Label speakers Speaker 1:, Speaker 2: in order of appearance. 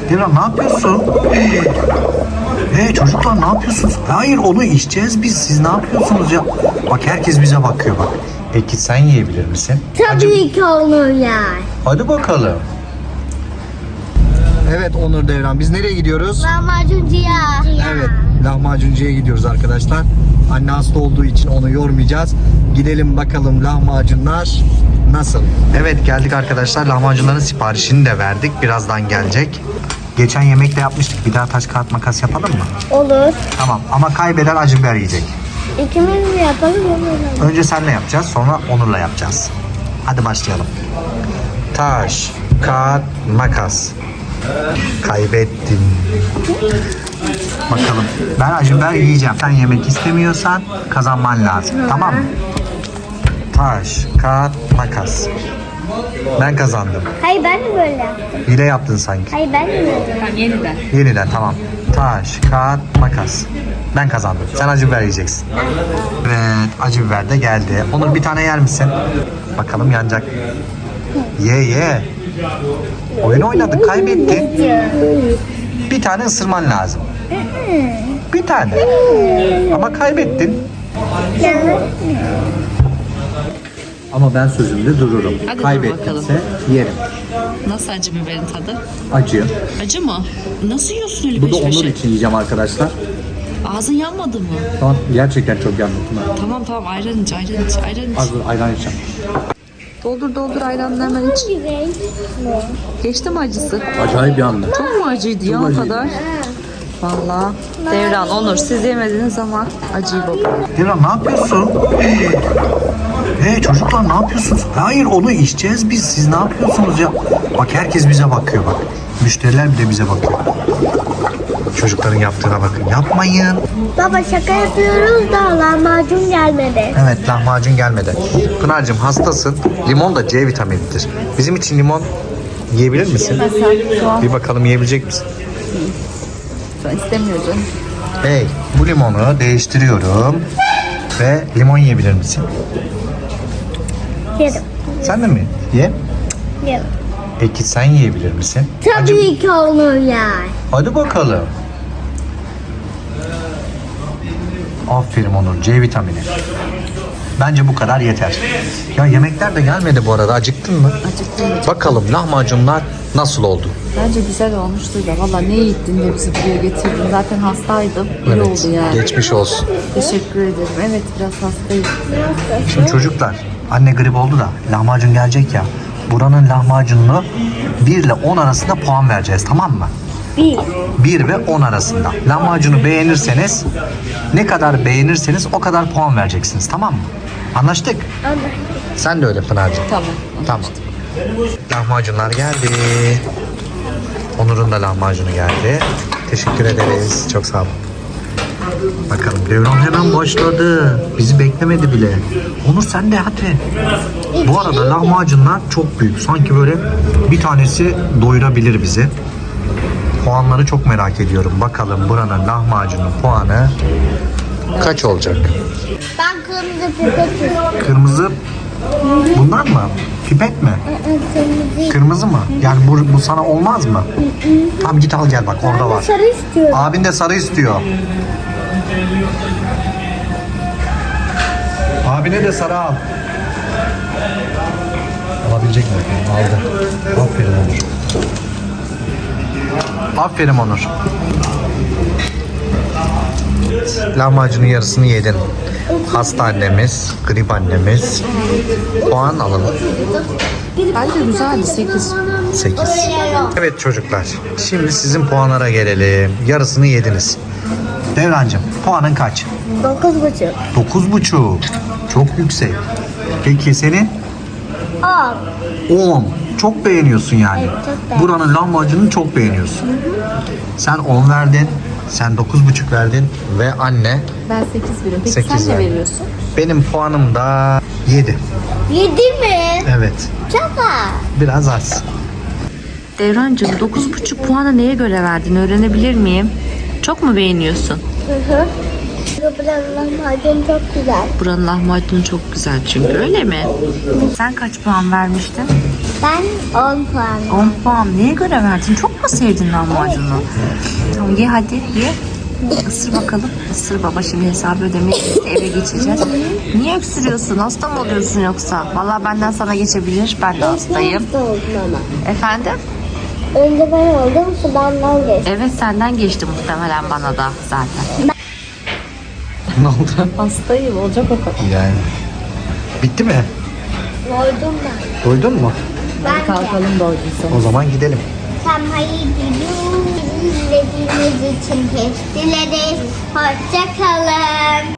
Speaker 1: Devran ne yapıyorsun? Hey çocuklar ne yapıyorsunuz? Hayır onu içeceğiz biz. Siz ne yapıyorsunuz ya? Bak herkes bize bakıyor bak. Peki sen yiyebilir misin?
Speaker 2: Tabii ki olur yani.
Speaker 1: Hadi bakalım. Evet Onur Devran biz nereye gidiyoruz?
Speaker 2: Lahmacuncuya.
Speaker 1: Evet lahmacuncuya gidiyoruz arkadaşlar. Anne hasta olduğu için onu yormayacağız. Gidelim bakalım lahmacunlar nasıl? Evet geldik arkadaşlar. Lahmacunların siparişini de verdik. Birazdan gelecek. Geçen yemekte yapmıştık. Bir daha taş kağıt makas yapalım mı?
Speaker 2: Olur.
Speaker 1: Tamam ama kaybeden acı biber yiyecek.
Speaker 2: İkimiz mi yapalım onu?
Speaker 1: Önce senle yapacağız sonra Onur'la yapacağız. Hadi başlayalım. Taş, kağıt, makas. Kaybettin. Bakalım. Ben acı biber yiyeceğim. Sen yemek istemiyorsan kazanman lazım. Tamam mı? Taş, kağıt, makas. Ben kazandım.
Speaker 2: Hayır ben de böyle yaptım.
Speaker 1: Hile yaptın sanki.
Speaker 2: Hayır ben de böyle yaptım.
Speaker 3: Tamam, yeniden.
Speaker 1: Yeniden tamam. Taş, kağıt, makas. Ben kazandım. Sen acı biber yiyeceksin. Evet, acı biber de geldi. Onur bir tane yer misin? Bakalım yanacak. Ye. Oyun oynadık, kaybettin. Bir tane ısırman lazım. Bir tane. Ama kaybettin. Ama ben sözümde dururum.
Speaker 3: Hadi dur
Speaker 1: Kaybettinse yerim.
Speaker 3: Nasıl acı biberin tadı?
Speaker 1: Acı.
Speaker 3: Acı mı? Nasıl yiyorsun öyle
Speaker 1: Bu da
Speaker 3: peş
Speaker 1: Onur
Speaker 3: peşe?
Speaker 1: için yiyeceğim arkadaşlar.
Speaker 3: Ağzın yanmadı mı?
Speaker 1: Tamam, gerçekten çok yandım.
Speaker 3: Tamam ayran iç.
Speaker 1: Az dur, ayran içeceğim.
Speaker 3: Doldur ayranını hemen iç. Geçti mi acısı?
Speaker 1: Acayip yandı.
Speaker 3: Çok mu acıydı ya o
Speaker 1: acıydı.
Speaker 3: kadar? Vallahi Devran, Onur siz yemediğiniz ama acıyı baba.
Speaker 1: Devran ne yapıyorsun? Hey çocuklar ne yapıyorsunuz? Hayır onu içeceğiz biz. Siz ne yapıyorsunuz ya? Bak herkes bize bakıyor bak. Müşteriler bile bize bakıyor. Çocukların yaptığına bakın. Yapmayın.
Speaker 2: Baba şaka yapıyoruz da lahmacun gelmedi.
Speaker 1: Evet lahmacun gelmedi. Pınar'cığım hastasın. Limon da C vitaminidir. Bizim için limon yiyebilir misin? Bir bakalım yiyebilecek misin?
Speaker 3: Ben istemiyorum.
Speaker 1: Hey bu limonu değiştiriyorum. Ve limon yiyebilir misin?
Speaker 2: Yerim.
Speaker 1: Sen de mi? Ye.
Speaker 2: Yerim.
Speaker 1: Peki sen yiyebilir misin?
Speaker 2: Tabii ki olur yani.
Speaker 1: Hadi bakalım. Aferin Onur. C vitamini. Bence bu kadar yeter. Ya yemekler de gelmedi bu arada. Acıktın mı?
Speaker 3: Acıktım.
Speaker 1: Bakalım lahmacunlar nasıl oldu?
Speaker 3: Bence güzel olmuştu da. Valla ne gittin de bizi buraya getirdin. Zaten hastaydım. İyi oldu yani.
Speaker 1: Geçmiş olsun.
Speaker 3: Teşekkür ederim. Evet biraz hastayım.
Speaker 1: Şimdi çocuklar anne grip oldu da lahmacun gelecek ya. Buranın lahmacununu 1 ile 10 arasında puan vereceğiz tamam mı? 1 ve 10 arasında. Lahmacunu beğenirseniz ne kadar beğenirseniz o kadar puan vereceksiniz tamam mı? Anlaştık?
Speaker 2: Anlaştık.
Speaker 1: Sen de öyle Pınar'cığım.
Speaker 3: Tamam.
Speaker 1: Tamam. Lahmacunlar geldi. Onur'un da lahmacunu geldi. Teşekkür ederiz. Çok sağ olun. Bakalım Devran hemen başladı. Bizi beklemedi bile. Onur sen de hadi. Bu arada lahmacunlar çok büyük. Sanki böyle bir tanesi doyurabilir bizi. Puanları çok merak ediyorum. Bakalım buranın lahmacunun puanı kaç olacak?
Speaker 2: Ben kırmızı pipet istiyorum.
Speaker 1: Kırmızı bunlar mı? Pipet mi?
Speaker 2: Kırmızı.
Speaker 1: Kırmızı mı? Yani bu sana olmaz mı? Tamam git al gel bak orada var.
Speaker 2: Sarı istiyorum.
Speaker 1: Abin de sarı istiyor. Abine de sarı al. Alabilecek mi? Aldı. Aferin Onur. Aferin Onur. Lahmacunun yarısını yedin. Hasta annemiz, grip annemiz. Puan alalım.
Speaker 3: Bence güzeldi 8.
Speaker 1: 8. Evet çocuklar. Şimdi sizin puanlara gelelim. Yarısını yediniz. Devrancığım puanın kaç?
Speaker 2: 9,5.
Speaker 1: 9,5. Çok yüksek. Peki senin?
Speaker 2: 10.
Speaker 1: 10. Çok beğeniyorsun yani.
Speaker 2: Evet, çok beğendim.
Speaker 1: Buranın lahmacununu çok beğeniyorsun. Sen 10 verdin. Sen 9,5 verdin. Ve anne
Speaker 3: Ben 8 veriyorum. Peki
Speaker 1: 8
Speaker 3: sen ne
Speaker 1: verdim.
Speaker 3: veriyorsun?
Speaker 1: benim puanım da 7.
Speaker 2: 7 mi?
Speaker 1: Evet.
Speaker 2: Çok az.
Speaker 1: Biraz az.
Speaker 3: Devrancığım 9,5 puanı neye göre verdin öğrenebilir miyim? Çok mu beğeniyorsun?
Speaker 2: Hı. Buranın lahmacun çok güzel.
Speaker 3: Buranın lahmacunu çok güzel çünkü öyle mi? Sen kaç puan vermiştin?
Speaker 2: Ben 10 puan.
Speaker 3: 10 puan. Neye göre verdin? Çok mu sevdin lahmacunu? Tamam ye hadi ye. Isır bakalım. Isır baba, şimdi hesabı ödemeye eve geçeceğiz. Niye öksürüyorsun? Hasta mı oluyorsun yoksa? Vallahi benden sana geçebilir. Ben de hastayım.
Speaker 2: Hasta oldum ama.
Speaker 3: Efendim?
Speaker 2: Önce ben oldum, sudandan geçtim.
Speaker 3: Evet, senden geçti muhtemelen bana da zaten.
Speaker 1: Ne oldu?
Speaker 3: Hastayım, olacak o kadar.
Speaker 1: Yani. Bitti mi?
Speaker 2: Oldum ben.
Speaker 1: Doydun mu?
Speaker 2: Ben de.
Speaker 3: Kalkalım doyduysa.
Speaker 1: O zaman gidelim.
Speaker 2: Tam hayır gidiyoruz. İzlediğiniz için teşekkür ederiz. Hoşça kalın.